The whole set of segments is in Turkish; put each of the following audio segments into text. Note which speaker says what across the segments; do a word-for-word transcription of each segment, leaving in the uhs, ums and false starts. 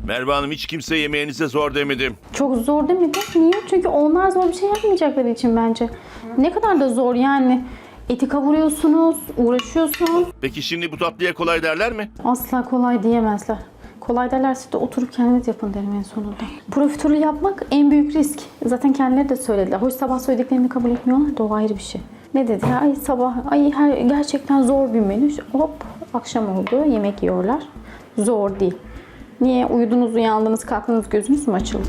Speaker 1: Merve Hanım hiç kimse yemeğinize zor demedi.
Speaker 2: Çok zor değil mi? Niye? Çünkü onlar zor bir şey yapmayacakları için bence. Ne kadar da zor yani. Eti kavuruyorsunuz, uğraşıyorsunuz.
Speaker 1: Peki şimdi bu tatlıya kolay derler mi?
Speaker 2: Asla kolay diyemezler. Kolay derlerse de oturup kendiniz yapın derim en sonunda. Profiterol yapmak en büyük risk. Zaten kendileri de söylediler. Hoş sabah söylediklerini kabul etmiyorlar da o ayrı bir şey. Ne dediler? Ay sabah, ay her, gerçekten zor bir menü. Hop akşam oldu, yemek yiyorlar. Zor değil. Niye? Uyudunuz, uyandınız, kalktınız, gözünüz mü açıldı?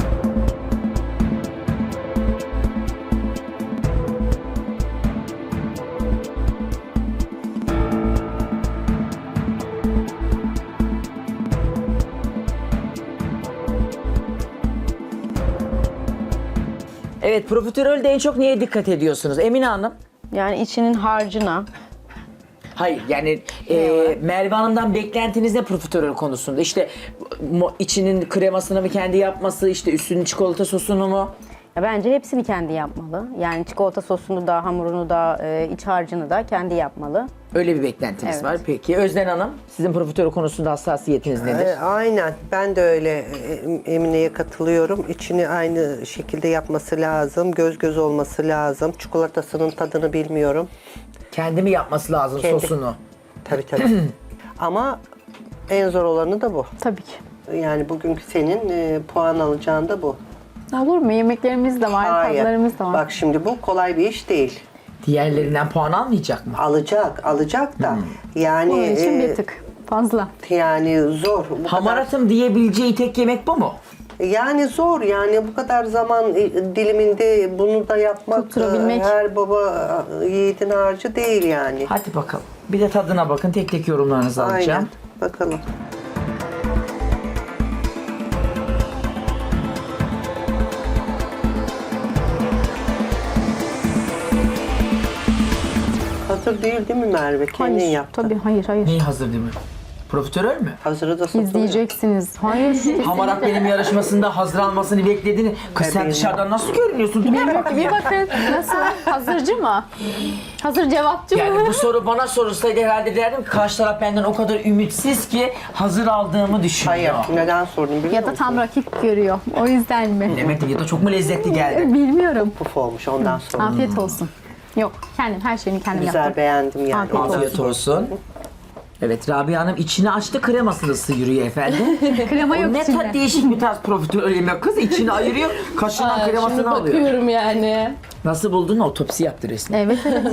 Speaker 3: Evet, profiterolde en çok neye dikkat ediyorsunuz Emine Hanım?
Speaker 4: Yani içinin harcına.
Speaker 3: Hayır yani e, Merve Hanım'dan beklentiniz ne profiterol konusunda? İşte mo- içinin kremasını mı kendi yapması, işte üstünün çikolata sosunu mu?
Speaker 4: Ya bence hepsini kendi yapmalı. Yani çikolata sosunu da, hamurunu da, e, iç harcını da kendi yapmalı.
Speaker 3: Öyle bir beklentiniz
Speaker 4: Evet.
Speaker 3: var. Peki Özden Hanım, sizin profiterol konusunda hassasiyetiniz nedir?
Speaker 5: E, aynen. Ben de öyle e, Emine'ye katılıyorum. İçini aynı şekilde yapması lazım. Göz göz olması lazım. Çikolatasının tadını bilmiyorum.
Speaker 3: Kendi mi yapması lazım
Speaker 5: Kendi.
Speaker 3: sosunu?
Speaker 5: Tabii tabii. Ama en zor olanı da bu.
Speaker 2: Tabii ki.
Speaker 5: Yani bugünkü senin e, puan alacağın da bu.
Speaker 2: Olur mu? Yemeklerimiz de var, tatlılarımız da var.
Speaker 5: Bak şimdi bu kolay bir iş değil.
Speaker 3: Diğerlerinden puan almayacak mı?
Speaker 5: Alacak, alacak da. Yani
Speaker 2: Onun için
Speaker 5: e,
Speaker 2: bir tık fazla.
Speaker 5: yani zor. Bu kadar,
Speaker 3: Hamaratım diyebileceği tek yemek bu mu?
Speaker 5: yani zor yani bu kadar zaman e, diliminde bunu da yapmak
Speaker 2: Tutturabilmek.
Speaker 5: e, her baba e, yiğidin harcı değil yani.
Speaker 3: Hadi bakalım. Bir de tadına bakın. Tek tek yorumlarınızı alacağım.
Speaker 5: Aynen. Bakalım. Hazır değil değil mi Merve? Kendin
Speaker 2: Hayır,
Speaker 5: yaptın.
Speaker 2: tabii hayır hayır.
Speaker 3: Neyi hazır değil mi? Profiterol mü?
Speaker 5: Hazırı da satılıyor.
Speaker 2: İzleyeceksiniz. Hayır.
Speaker 3: Hamarat benim yarışmasında hazır almasını beklediğini. Kız sen
Speaker 5: Tabii.
Speaker 3: dışarıdan nasıl görünüyorsun? Dur bir bakayım
Speaker 2: Bir
Speaker 3: ya.
Speaker 2: bakın nasıl? Hazırcı mı? Hazır cevapçı
Speaker 3: Yani
Speaker 2: mı?
Speaker 3: bu soru bana sorulsaydı herhalde derdim ki karşı taraf benden o kadar ümitsiz ki hazır aldığımı düşünüyor.
Speaker 5: Hayır. Neden sordum biliyor
Speaker 2: Ya da
Speaker 5: musun?
Speaker 2: tam rakip görüyor. O yüzden mi?
Speaker 3: Demek ya da çok mu lezzetli geldi?
Speaker 2: Bilmiyorum.
Speaker 5: Puf olmuş ondan sonra.
Speaker 2: Afiyet olsun. Yok kendim her şeyini kendim
Speaker 5: Güzel
Speaker 2: yaptım.
Speaker 5: beğendim yani.
Speaker 2: Afiyet olsun.
Speaker 3: Afiyet olsun. Evet Rabia Hanım içini açtı kremasını sıyırıyor efendim.
Speaker 2: Krema yok
Speaker 3: ne
Speaker 2: içinde.
Speaker 3: tat değişik bir tarz profiterol yemek kız içini ayırıyor kaşığından
Speaker 6: Aa,
Speaker 3: kremasını
Speaker 6: şimdi
Speaker 3: alıyor.
Speaker 6: bakıyorum yani.
Speaker 3: Nasıl buldun otopsi yaptı resmen.
Speaker 2: Evet evet.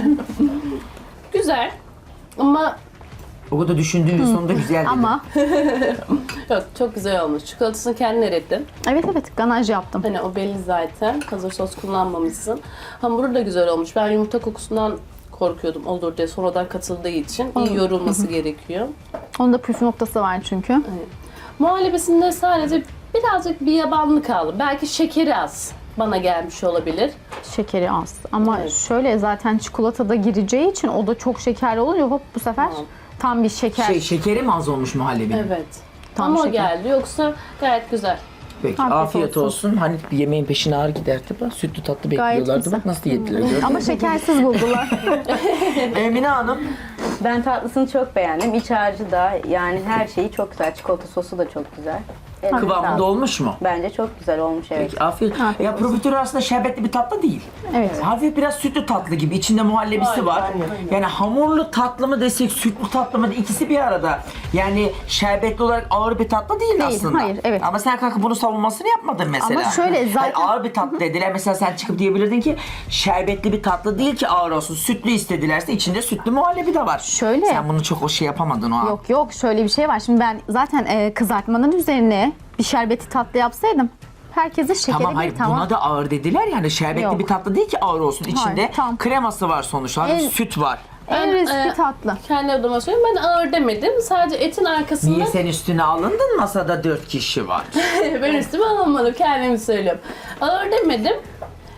Speaker 6: Güzel. Ama
Speaker 3: O kadar düşündüğünün sonunda güzel dedi.
Speaker 2: Ama
Speaker 6: yok, çok güzel olmuş. Çikolatasını kendin erittin.
Speaker 2: evet evet ganaj yaptım.
Speaker 6: Hani o belli zaten. Hazır sos kullanmamışsın. Hamuru da güzel olmuş. Ben yumurta kokusundan korkuyordum olur diye. Sonradan katıldığı için iyi yorulması gerekiyor.
Speaker 2: Onun da püf noktası var çünkü.
Speaker 6: Muhallebisinde sadece birazcık bir yabanlık kaldı. Belki şekeri az bana gelmiş olabilir.
Speaker 2: Şekeri az. Ama
Speaker 6: Evet.
Speaker 2: şöyle zaten çikolatada gireceği için o da çok şekerli olunca hop bu sefer
Speaker 6: Tamam.
Speaker 2: tam bir şeker.
Speaker 3: Şey şekeri mi az olmuş muhallebinin?
Speaker 6: Evet.
Speaker 2: Tam
Speaker 6: Ama o
Speaker 2: şeker.
Speaker 6: geldi. Yoksa gayet güzel.
Speaker 3: Peki
Speaker 2: Afiyet
Speaker 3: afiyet,
Speaker 2: olsun.
Speaker 3: olsun. Hani bir yemeğin peşine ağır giderdi bak. Sütlü tatlı
Speaker 2: Gayet
Speaker 3: bekliyorlardı.
Speaker 2: güzel.
Speaker 3: Bak nasıl yediler gördün mü?
Speaker 2: Ama şekersiz buldular.
Speaker 3: Emine Hanım.
Speaker 4: Ben tatlısını çok beğendim. İç harcı da yani her şeyi çok güzel. Çikolata sosu da çok güzel. Eline
Speaker 3: Kıvamında
Speaker 4: sağlık.
Speaker 3: olmuş mu?
Speaker 4: Bence çok güzel olmuş evet.
Speaker 3: Peki afiyet.
Speaker 2: Afiyet
Speaker 3: Ya
Speaker 2: olsun.
Speaker 3: profiterol aslında şerbetli bir tatlı değil.
Speaker 2: Evet.
Speaker 3: Hafif biraz sütlü tatlı gibi. İçinde muhallebisi
Speaker 6: Aynen,
Speaker 3: var.
Speaker 6: aynen.
Speaker 3: Yani hamurlu tatlı mı desek, sütlü tatlı mı ikisi bir arada. Yani şerbetli olarak ağır bir tatlı değil,
Speaker 2: Değil,
Speaker 3: aslında.
Speaker 2: hayır, evet.
Speaker 3: Ama sen kalkıp bunun savunmasını yapmadın mesela.
Speaker 2: Ama şöyle zaten-
Speaker 3: Hayır, ağır bir tatlı dediler. Mesela sen çıkıp diyebilirdin ki şerbetli bir tatlı değil ki ağır olsun. Sütlü istedilerse içinde sütlü muhallebi de var.
Speaker 2: Şöyle.
Speaker 3: Sen bunu çok o şey yapamadın o an.
Speaker 2: Yok yok şöyle bir şey var. Şimdi ben zaten e, kızartmanın üzerine bir şerbeti tatlı yapsaydım herkese şekeri
Speaker 3: Tamam
Speaker 2: bir
Speaker 3: hayır
Speaker 2: tamam.
Speaker 3: buna da ağır dediler yani şerbetli
Speaker 2: Yok.
Speaker 3: bir tatlı değil ki ağır olsun. İçinde
Speaker 2: Hayır, tam.
Speaker 3: kreması var sonuçta.
Speaker 2: En-
Speaker 3: Süt var.
Speaker 2: En
Speaker 6: Ben,
Speaker 2: riskli
Speaker 6: e,
Speaker 2: tatlı.
Speaker 6: Kendi adıma söyleyeyim. Ben ağır demedim. Sadece etin arkasında
Speaker 3: Niye sen üstüne alındın? Masada dört kişi var.
Speaker 6: ben üstüme alamadım. Kendimi söylüyorum. Ağır demedim.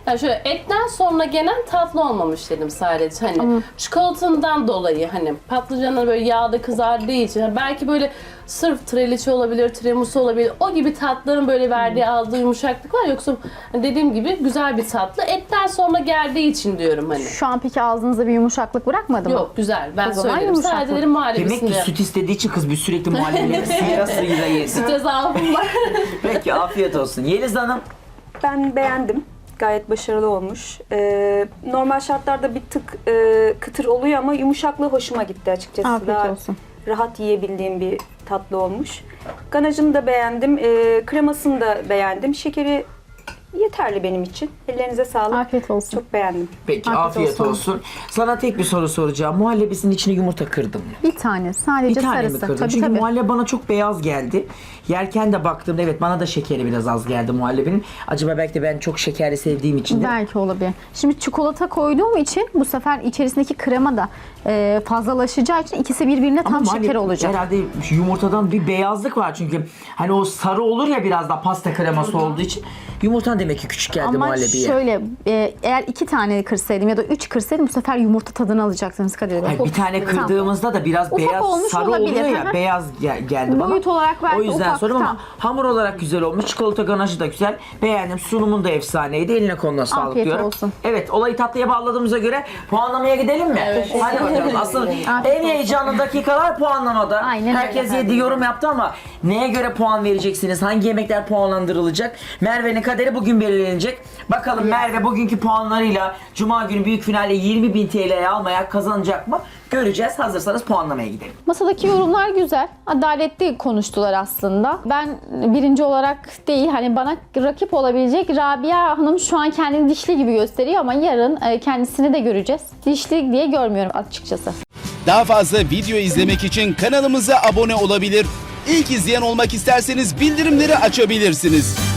Speaker 6: Yani şöyle etten sonra gelen tatlı olmamış dedim sadece. Hani çikolatandan dolayı hani patlıcanlar böyle yağda kızardığı için hani belki böyle sırf treliçe olabilir, tiramisu olabilir. O gibi tatların böyle verdiği aldığı yumuşaklık var. Yoksa dediğim gibi güzel bir tatlı. Etten sonra geldiği için diyorum hani.
Speaker 2: Şu an peki ağzınızda bir yumuşaklık bırakmadı mı?
Speaker 6: Yok güzel. Ben
Speaker 2: O zaman
Speaker 6: söylerim.
Speaker 2: yumuşaklık.
Speaker 6: Sadece dedim
Speaker 3: Demek ki
Speaker 6: muhallebisinde.
Speaker 3: süt istediği için kız bir sürekli muhallebileri sıyıra sıyıra yedi.
Speaker 6: Süte zaafım var.
Speaker 3: Peki afiyet olsun. Yeliz Hanım.
Speaker 7: Ben beğendim. Gayet başarılı olmuş. Ee, normal şartlarda bir tık e, kıtır oluyor ama yumuşaklığı hoşuma gitti açıkçası.
Speaker 2: Afiyet
Speaker 7: Daha
Speaker 2: olsun.
Speaker 7: rahat yiyebildiğim bir tatlı olmuş. Ganajını da beğendim. Ee, kremasını da beğendim. Şekeri yeterli benim için. Ellerinize sağlık.
Speaker 2: Afiyet olsun.
Speaker 7: Çok beğendim.
Speaker 3: Peki
Speaker 2: Afiyet
Speaker 3: afiyet,
Speaker 2: olsun.
Speaker 3: olsun. Sana tek bir soru soracağım. Muhallebisinin içine yumurta kırdın mı?
Speaker 2: Bir tane sadece
Speaker 3: Bir tane
Speaker 2: sarısı.
Speaker 3: mi kırdın?
Speaker 2: Tabii
Speaker 3: Çünkü
Speaker 2: tabii.
Speaker 3: muhallebi bana çok beyaz geldi. Yerken de baktığımda evet bana da şekeri biraz az geldi muhallebinin. Acaba belki de ben çok şekerli sevdiğim için de.
Speaker 2: Belki olabilir. Şimdi çikolata koyduğum için bu sefer içerisindeki krema da e, fazlalaşacağı için ikisi birbirine tam
Speaker 3: muhallebi
Speaker 2: şeker olacak.
Speaker 3: Herhalde yumurtadan bir beyazlık var çünkü hani o sarı olur ya biraz da pasta kreması olduğu için yumurtan demek ki küçük geldi
Speaker 2: Ama
Speaker 3: muhallebiye.
Speaker 2: şöyle e, eğer iki tane kırsaydım ya da üç kırsaydım bu sefer yumurta tadını alacaksınız Kadir Bey.
Speaker 3: Hayır, bir tane
Speaker 2: Tamam.
Speaker 3: kırdığımızda da biraz
Speaker 2: Ufak
Speaker 3: beyaz
Speaker 2: olmuş
Speaker 3: sarı
Speaker 2: olabilir,
Speaker 3: oluyor ya
Speaker 2: hı hı.
Speaker 3: beyaz gel- geldi bana.
Speaker 2: Boyut olarak belki
Speaker 3: O yüzden
Speaker 2: ufak,
Speaker 3: soruyorum ama
Speaker 2: tamam.
Speaker 3: hamur olarak güzel olmuş. Çikolata ganajı da güzel. Beğendim. Sunumun da efsaneydi. Eline koluna sağlık
Speaker 2: Afiyet
Speaker 3: diyorum.
Speaker 2: olsun.
Speaker 3: Evet olayı tatlıya bağladığımıza göre puanlamaya gidelim mi? Hadi bakalım. Aslında en heyecanlı dakikalar puanlamada.
Speaker 2: Aynen
Speaker 3: Herkes
Speaker 2: öyle.
Speaker 3: yedi yorum yaptı ama neye göre puan vereceksiniz? Hangi yemekler puanlandırılacak? Merve'nin kaderi bugün belirlenecek. Bakalım Merve bugünkü puanlarıyla Cuma günü büyük finalde yirmi bin T L'ye almaya kazanacak mı? Göreceğiz. Hazırsanız puanlamaya gidelim.
Speaker 2: Masadaki yorumlar güzel. Adaletli konuştular aslında. Ben birinci olarak değil hani bana rakip olabilecek Rabia Hanım şu an kendini dişli gibi gösteriyor ama yarın e, kendisini de göreceğiz. Dişli diye görmüyorum açıkçası.
Speaker 8: Daha fazla video izlemek için kanalımıza abone olabilir. İlk izleyen olmak isterseniz bildirimleri açabilirsiniz.